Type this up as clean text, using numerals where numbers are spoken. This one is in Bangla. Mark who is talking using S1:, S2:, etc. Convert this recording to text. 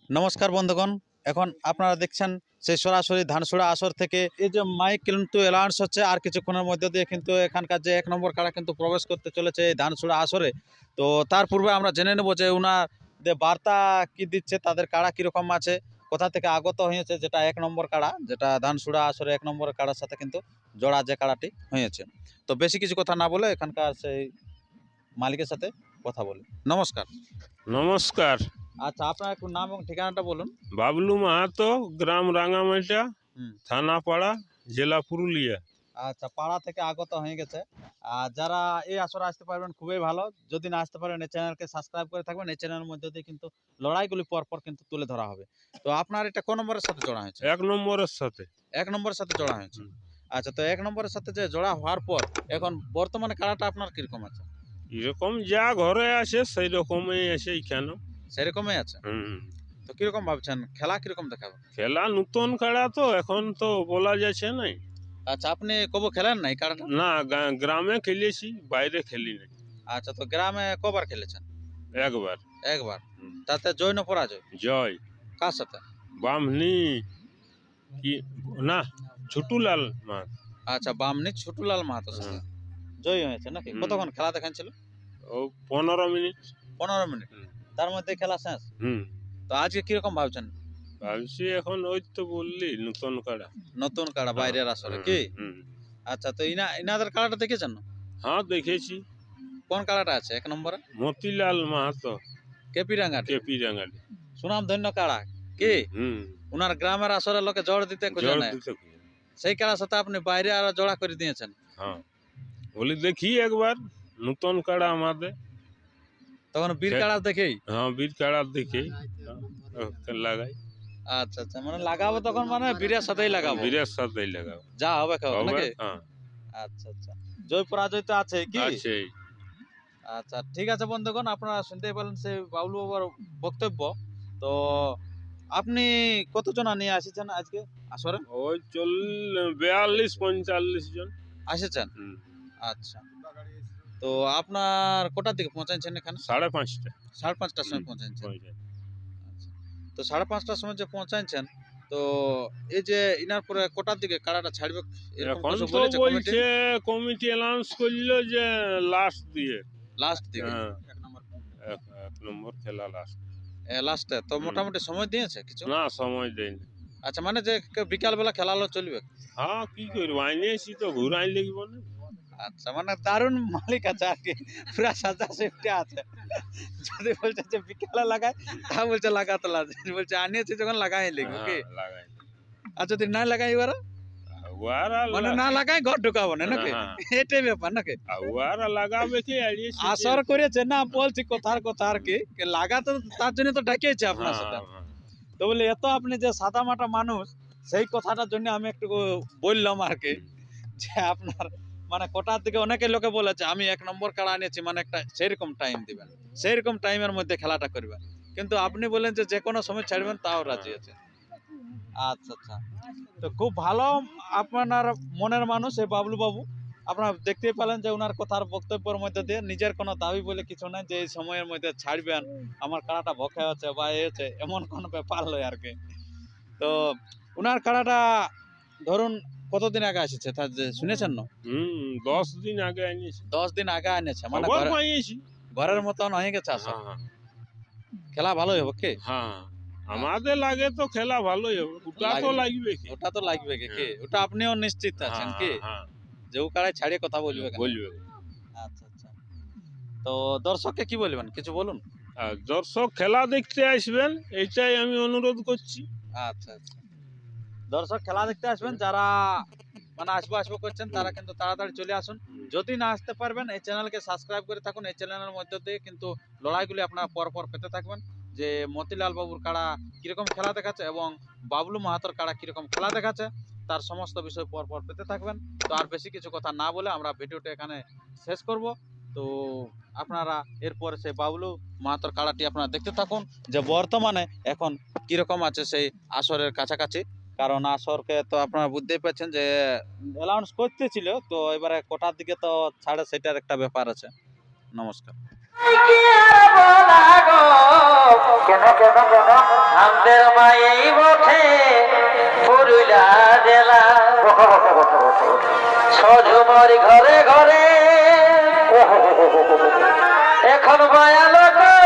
S1: নমস্কার বন্ধুগণ, এখন আপনারা দেখছেন সেই সরাসরি ধানসুড়া আসর থেকে এই যে মাইক কিন্তু অ্যালাউন্স হচ্ছে আর কিছুক্ষণের মধ্যে দিয়ে কিন্তু এখানকার যে 1 নম্বর কাড়া কিন্তু প্রবেশ করতে চলেছে এই ধানসুড়া আসরে। তো তার পূর্বে আমরা জেনে নেব যে ওনার যে বার্তা কি দিচ্ছে, তাদের কাড়া কীরকম আছে, কোথা থেকে আগত হয়েছে, যেটা 1 নম্বর কাড়া, যেটা ধানসুড়া আসরে 1 নম্বর কাড়ার সাথে কিন্তু জোড়া যে কাড়াটি হয়েছে। তো বেশি কিছু কথা না বলে এখানকার সেই মালিকের সাথে কথা বলি। নমস্কার।
S2: নমস্কার।
S1: আচ্ছা, আপনার একটু নাম এবং ঠিকানাটা বলুন।
S2: বাবলু মাহাতো, গ্রাম রাঙামাটা,
S1: হুম।
S2: থানা পাড়া, জেলা পুরুলিয়া।
S1: আচ্ছা, পাড়া থেকে আগত হয়ে গেছে। আর যারা এই আসরে আসতে পারবেন খুবই ভালো। যদি না আসতে পারেন এই চ্যানেলকে সাবস্ক্রাইব করে থাকবেন। এই চ্যানেলের মধ্যে দিয়ে কিন্তু লড়াইগুলি পরপর কিন্তু তুলে ধরা হবে। তো আপনার এটা কোন নম্বরের সাথে জোড়া হয়েছে?
S2: 1 নম্বরের সাথে।
S1: 1 নম্বরের সাথে জোড়া হয়েছে।
S2: হুম।
S1: আচ্ছা, তো 1 নম্বরের সাথে যে জোড়া হওয়ার পর এখন বর্তমানে কাড়াটা আপনার কিরকম আছে?
S2: এরকম যা ঘরে আছে সেই রকমই আছে এখানে।
S1: সেরকমই আছে।
S2: হুম।
S1: তো কিরকম ভাবছেন? খেলা কিরকম দেখাবে?
S2: খেলা নতুন খেলা তো এখন তো বলা যাচ্ছে নাই।
S1: আচ্ছা, আপনি কবু খেলেন না এই কাড়াটা?
S2: না, গ্রামে খেলেছি, বাইরে খেলি নাই।
S1: আচ্ছা, তো গ্রামে কবার খেলেছেন?
S2: একবার।
S1: একবার।
S2: হুম।
S1: তাতে জয় না পরাজয়?
S2: জয়।
S1: কার সাথে?
S2: বামনি কি না, ছোটুলাল মাহাত।
S1: আচ্ছা, বামনি ছোটুলাল মাহাতোর সাথে
S2: হ্যাঁ।
S1: জয়ী হয়েছে নাকি?
S2: হুম।
S1: কতক্ষণ খেলা দেখাচ্ছিল?
S2: ও 15 মিনিট।
S1: 15 মিনিট।
S2: হুম।
S1: তার মধ্যে খেলা শেষ।
S2: হুম।
S1: তো আজকে কিরকম ভাবছেন?
S2: ভাবছি এখন ওই তো বললি নতুন কাড়া।
S1: নতুন কাড়া
S2: হ্যাঁ,
S1: বাইরের আসরে
S2: হুম,
S1: কি?
S2: হুম।
S1: আচ্ছা, তো ইনাদের কাড়াটা দেখেছেন না?
S2: হ্যাঁ, দেখেছি।
S1: কোন কাড়াটা আছে 1 নম্বরে?
S2: মতিলাল মাহাতো,
S1: কেপি রাঙ্গাটি।
S2: কেপি রাঙালি।
S1: সুনাম ধন্য কাড়া কি?
S2: হুম।
S1: উনার গ্রামের আসরে লোকে জড় দিতে খুঁজে
S2: জোর
S1: নেয়।
S2: দিতে খুঁজে।
S1: সেই কাড়ার সাথে আপনি বাইরে আরো জোড়া করে দিয়েছেন।
S2: হ্যাঁ, বলি দেখি একবার নতুন কাড়া আমাদের।
S1: তখন বীর কাড়া দেখেই।
S2: হ্যাঁ, বীর কাড়া দেখি লাগাই।
S1: আচ্ছা, আচ্ছা, মানে লাগাবো তখন মানে বীরের সাথেই লাগাবো।
S2: বীরের সাথেই লাগাবো।
S1: যা হবে খাও
S2: হবে?
S1: নাকি?
S2: হ্যাঁ,
S1: আচ্ছা, আচ্ছা। জয় পরাজয় তো আছে কি?
S2: আছেই।
S1: আচ্ছা, ঠিক আছে বন্ধুগণ, আপনারা শুনতেই পেলেন সেই বাবলু বাবার বক্তব্য। তো আপনি কতজন নিয়ে এসেছেন আজকে আসরে?
S2: ওই 42-45 জন।
S1: এসেছেন?
S2: হুম।
S1: আচ্ছা। তো আপনার কটার দিকে পৌঁছাচ্ছেন এখানে?
S2: 5:30টা।
S1: 5:30টার সময়
S2: হুম,
S1: পৌঁছাচ্ছেন।
S2: পৌঁছায়।
S1: আচ্ছা। তো 5:30টার সময় যে পৌঁছাচ্ছেন, তো এই যে ইনার পরে কটার দিকে কাড়াটা ছাড়বে এরকম
S2: এখন
S1: কিছু
S2: তো
S1: বলেছে কমিটি?
S2: বলছে কমিটি অ্যানাউন্স করলো যে লাস্ট দিয়ে।
S1: লাস্ট দিকে।
S2: হ্যাঁ, 1 নম্বর খেলা লাস্ট।
S1: লাস্টে তো
S2: হুম।
S1: মোটামুটি সময় দিয়েছে কিছু?
S2: না, সময় দেয়নি।
S1: আচ্ছা, মানে যে বিকাল বেলা খেলালো চলবে?
S2: হ্যাঁ, কি করবো, আইনেছি তো ঘুরাই লিখবো না।
S1: আচ্ছা, মানে দারুণ মালিক আছে আর কি, পুরা সাজা সেফটি আছে। যদি বলছে যে বিকালে লাগায়, তা বলছে লাগাতে লাগে, বলছে আনিয়েছি যখন লাগাই লিখবো কি?
S2: হ্যাঁ, লাগাই।
S1: আর যদি না লাগাই এবারে,
S2: ওয়ারা
S1: মানে না লাগাই ঘর ঢুকাবো না নাকি?
S2: হ্যাঁ,
S1: এটাই ব্যাপার নাকি?
S2: ওয়ারা লাগাবে কি আইনেছি।
S1: আসর করেছে না, বলছি কথার কথা আর কি, লাগাতে তার জন্য তো ডাকিয়েছে আপনার
S2: হ্যাঁ,
S1: সাথে।
S2: হ্যাঁ।
S1: তো বলে এত আপনি যে সাদা মাটা মানুষ, সেই কথাটার জন্য আমি একটু বললাম আর কি, যে আপনার মানে কোটার দিকে অনেকে লোকে বলেছে আমি 1 নম্বর কাড়া আনিয়েছি, মানে একটা সেরকম টাইম দিবেন, সেরকম টাইমের মধ্যে খেলাটা করবেন। কিন্তু আপনি বলেন যে যে কোনো সময় ছাড়বেন, তাও রাজি আছে। আচ্ছা, আচ্ছা। তো খুব ভালো আপনার মনের মানুষ এই বাবলু বাবু। আপনারা দেখতেই পেলেন যে উনার কথার বক্তব্যের মধ্যে দিয়ে নিজের কোনো দাবি বলে কিছু নাই যে এই সময়ের মধ্যে ছাড়বেন, আমার কাড়াটা ভকে আছে বা এ হচ্ছে, এমন কোনো ব্যাপার নয় আর কি। তো উনার কাড়াটা ধরুন কতদিন আগে এসেছে তা যে শুনেছেন না?
S2: 10 দিন আগে আইনেছি।
S1: 10 দিন আগে এনেছে, মানে
S2: খবর পাইয়েছি।
S1: ঘরের মতন হয়ে গেছে আসর।
S2: হ্যাঁ, হ্যাঁ,
S1: খেলা ভালোই হবে কি?
S2: হ্যাঁ। আমাদের লাগে তো খেলা ভালোই হবে। ওটা তো লাগবে কি?
S1: ওটা তো লাগবে কি?
S2: হ্যাঁ।
S1: ওটা আপনিও নিশ্চিত আছেন
S2: হ্যাঁ,
S1: কি?
S2: হ্যাঁ,
S1: যে ও কাড়ায় ছাড়িয়ে কথা বলবে কেন?
S2: বলবে।
S1: আচ্ছা, আচ্ছা। তো দর্শককে কি বলবেন? কিছু বলুন।
S2: আর দর্শক খেলা দেখতে আসবেন, এইটাই আমি অনুরোধ করছি।
S1: আচ্ছা, আচ্ছা। দর্শক খেলা দেখতে আসবেন, যারা মানে আসবো করছেন তারা কিন্তু তাড়াতাড়ি চলে আসুন। যদি না আসতে পারবেন, এই চ্যানেলকে সাবস্ক্রাইব করে থাকুন। এই চ্যানেলের মধ্যে দিয়ে কিন্তু লড়াইগুলি আপনারা পরপর পেতে থাকবেন, যে মতিলাল বাবুর কাড়া কিরকম খেলা দেখাচ্ছে এবং বাবলু মাহাতোর কাড়া কিরকম খেলা দেখাচ্ছে, তার সমস্ত বিষয় পরপর পেতে থাকবেন। তো আর বেশি কিছু কথা না বলে আমরা ভিডিওটা এখানে শেষ করব। তো আপনারা এরপরে সেই বাবলু মাহাতোর কাড়াটি আপনারা দেখতে থাকুন, যে বর্তমানে এখন কিরকম আছে সেই আসরের কাছাকাছি। কারণ আসরকে তো আপনারা বুঝতেই পারছেন যে অ্যালাউন্স করতেছিল, তো এবারে কোটার দিকে তো ছাড়ে, সেটার একটা ব্যাপার আছে। নমস্কার।
S3: সঝুমার ঘরে ঘরে এখন মায়া লোক